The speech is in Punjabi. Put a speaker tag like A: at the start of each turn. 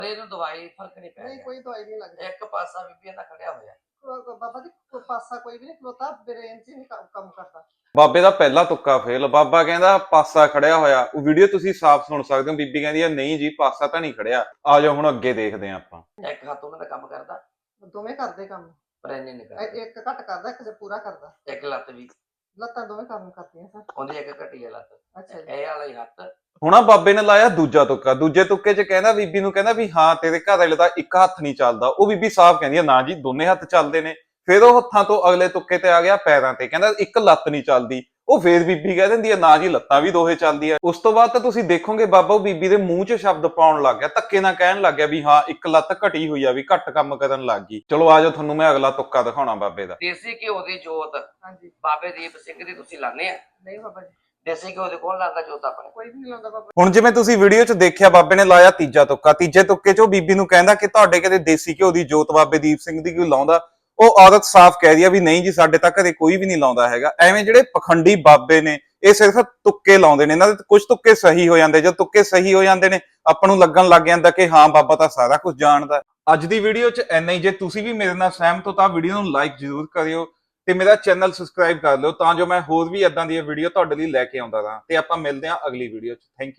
A: ਇਹਨੂੰ ਦਵਾਈ ਫਰਕ ਨਹੀਂ ਪੈ
B: ਨਹੀਂ ਕੋਈ ਦਵਾਈ ਨਹੀਂ ਲੱਗਦੀ।
A: ਇੱਕ ਪਾਸਾ ਬੀਬੀਆਂ ਦਾ ਖੜਿਆ ਹੋਇਆ
B: ਬਾਬਾ ਜੀ ਕੋਈ ਪਾਸਾ ਕੋਈ ਵੀ ਨਹੀਂ ਖਲੋਤਾ, ਬ੍ਰੇਨ 'ਚ ਨਹੀਂ ਕੰਮ ਕਰਦਾ।
C: ਬਾਬੇ ਦਾ ਪਹਿਲਾ ਤੁੱਕਾ ਫੇਲ। ਬਾਬਾ ਕਹਿੰਦਾ ਪਾਸਾ ਖੜਿਆ ਹੋਇਆ। ਉਹ ਵੀਡੀਓ ਤੁਸੀਂ ਸਾਫ਼ ਸੁਣ ਸਕਦੇ ਹੋ। ਬੀਬੀ ਕਹਿੰਦੀ ਆ ਨਹੀਂ ਜੀ ਪਾਸਾ ਤਾਂ ਨਹੀਂ ਖੜਿਆ। ਆ ਜਾਓ ਹੁਣ ਅੱਗੇ ਦੇਖਦੇ ਆਂ ਆਪਾਂ।
A: ਇੱਕ ਹੱਥ ਉਹਨਾਂ ਦਾ ਕੰਮ ਕਰਦਾ,
B: ਦੋਵੇਂ ਕਰਦੇ ਕੰਮ,
A: ਪਰ ਇੰਨੇ ਨਹੀਂ ਕਰਦਾ।
B: ਇੱਕ ਘੱਟ ਕਰਦਾ, ਇੱਕ ਪੂਰਾ ਕਰਦਾ।
A: ਇੱਕ ਲੱਤ ਵੀ,
B: ਲੱਤਾਂ ਦੋਵੇਂ ਕੰਮ ਕਰਦੀਆਂ ਸਰ।
A: ਉਹਦੀ ਇੱਕ ਘਟੀ ਹੈ ਲੱਤ।
B: ਅੱਛਾ ਜੀ।
A: ਇਹ ਵਾਲਾ ਹੀ ਹੱਥ।
C: ਹੁਣ ਆ ਬਾਬੇ ਨੇ ਲਾਇਆ ਦੂਜਾ ਤੁੱਕਾ। ਦੂਜੇ ਤੁੱਕੇ 'ਚ ਕਹਿੰਦਾ ਬੀਬੀ ਨੂੰ, ਕਹਿੰਦਾ ਵੀ ਹਾਂ ਤੇਰੇ ਘਰ ਵਾਲੇ ਦਾ ਇੱਕ ਹੱਥ ਨਹੀਂ ਚੱਲਦਾ। ਉਹ ਬੀਬੀ ਸਾਫ਼ ਕਹਿੰਦੀ ਆ ਨਾ ਜੀ ਦੋਨੇ ਹੱਥ ਚੱਲਦੇ ਨੇ। ਫਿਰ ਉਹ ਹੱਥਾਂ ਤੋਂ ਅਗਲੇ ਤੁੱਕੇ ਤੇ ਆ ਗਿਆ ਪੈਰਾਂ ਤੇ, ਕਹਿੰਦਾ ਇੱਕ ਲੱਤ ਨਹੀਂ ਚੱਲਦੀ। ਉਹ ਫੇਰ ਬੀਬੀ ਕਹਿ ਦਿੰਦੀ ਆ ਨਾ ਜੀ ਲੱਤਾਂ ਵੀ ਦੋਹੇ ਚੱਲਦੀਆਂ। ਉਸ ਤੋਂ ਬਾਅਦ ਤਾਂ ਤੁਸੀਂ ਦੇਖੋਗੇ ਬਾਬਾ ਉਹ ਬੀਬੀ ਦੇ ਮੂੰਹ 'ਚ ਸ਼ਬਦ ਪਾਉਣ ਲੱਗ ਗਿਆ, ਧੱਕੇ ਨਾਲ ਕਹਿਣ ਲੱਗ ਗਿਆ ਵੀ ਹਾਂ ਇੱਕ ਲੱਤ ਘਟੀ ਹੋਈ ਆ, ਵੀ ਘੱਟ ਕੰਮ ਕਰਨ ਲੱਗ ਗਈ। ਚਲੋ ਆ ਜਾਓ ਤੁਹਾਨੂੰ ਮੈਂ ਅਗਲਾ ਤੁੱਕਾ ਦਿਖਾਉਣਾ ਬਾਬੇ ਦਾ।
A: ਦੇਸੀ ਘਿਓ ਦੀ ਜੋਤ
B: ਹਾਂਜੀ।
A: ਬਾਬੇ ਦੀਪ ਸਿੰਘ ਦੀ ਤੁਸੀਂ ਲਾਣੇ ਆ?
B: ਨਹੀਂ ਬਾਬਾ ਜੀ,
A: ਦੇਸੀ ਘਿਓ ਦੇ ਕੋਲ ਲਾਉਂਦਾ ਜੋਤ ਆਪਣੇ?
B: ਕੋਈ ਵੀ ਨਹੀਂ ਲਾਉਂਦਾ ਬਾਬਾ।
C: ਹੁਣ ਜਿਵੇਂ ਤੁਸੀਂ ਵੀਡੀਓ 'ਚ ਦੇਖਿਆ ਬਾਬੇ ਨੇ ਲਾਇਆ ਤੀਜਾ ਤੁੱਕਾ। ਤੀਜੇ ਤੁੱਕੇ 'ਚ ਉਹ ਬੀਬੀ ਨੂੰ ਕਹਿੰਦਾ ਕਿ ਤੁਹਾਡੇ ਕਦੇ ਦੇਸੀ ਘਿਓ ਦੀ ਜੋਤ ਬਾਬੇ ਦੀਪ ਸਿੰਘ ਦੀ ਕੋਈ ਲਾਉਂਦਾ? ਉਹ ਔਰਤ ਸਾਫ਼ ਕਹਿ ਰਹੀ ਆ ਵੀ ਨਹੀਂ ਜੀ ਸਾਡੇ ਤਾਂ ਘਰੇ ਕੋਈ ਵੀ ਨਹੀਂ ਲਾਉਂਦਾ ਹੈਗਾ। ਐਵੇਂ ਜਿਹੜੇ ਪਖੰਡੀ ਬਾਬੇ ਨੇ ਇਹ ਸਿਰਫ ਤੁੱਕੇ ਲਾਉਂਦੇ ਨੇ। ਇਹਨਾਂ ਦੇ ਕੁਝ ਤੁੱਕੇ ਸਹੀ ਹੋ ਜਾਂਦੇ। ਜਦ ਤੁੱਕੇ ਸਹੀ ਹੋ ਜਾਂਦੇ ਨੇ ਆਪਾਂ ਨੂੰ ਲੱਗਣ ਲੱਗ ਜਾਂਦਾ ਕਿ ਹਾਂ ਬਾਬਾ ਤਾਂ ਸਾਰਾ ਕੁਝ ਜਾਣਦਾ। ਅੱਜ ਦੀ ਵੀਡੀਓ 'ਚ ਇੰਨਾ ਹੀ। ਜੇ ਤੁਸੀਂ ਵੀ ਮੇਰੇ ਨਾਲ ਸਹਿਮਤ ਹੋ ਤਾਂ ਵੀਡੀਓ ਨੂੰ ਲਾਈਕ ਜ਼ਰੂਰ ਕਰਿਓ ਤੇ ਮੇਰਾ ਚੈਨਲ ਸਬਸਕ੍ਰਾਈਬ ਕਰ ਲਿਓ ਤਾਂ ਜੋ ਮੈਂ ਹੋਰ ਵੀ ਇਦਾਂ ਦੀਆਂ ਵੀਡੀਓ ਤੁਹਾਡੇ ਲਈ ਲੈ ਕੇ ਆਉਂਦਾ ਰਹਾਂ। ਤੇ ਆਪਾਂ ਮਿਲਦੇ ਹਾਂ ਅਗਲੀ ਵੀਡੀਓ 'ਚ। Thank you.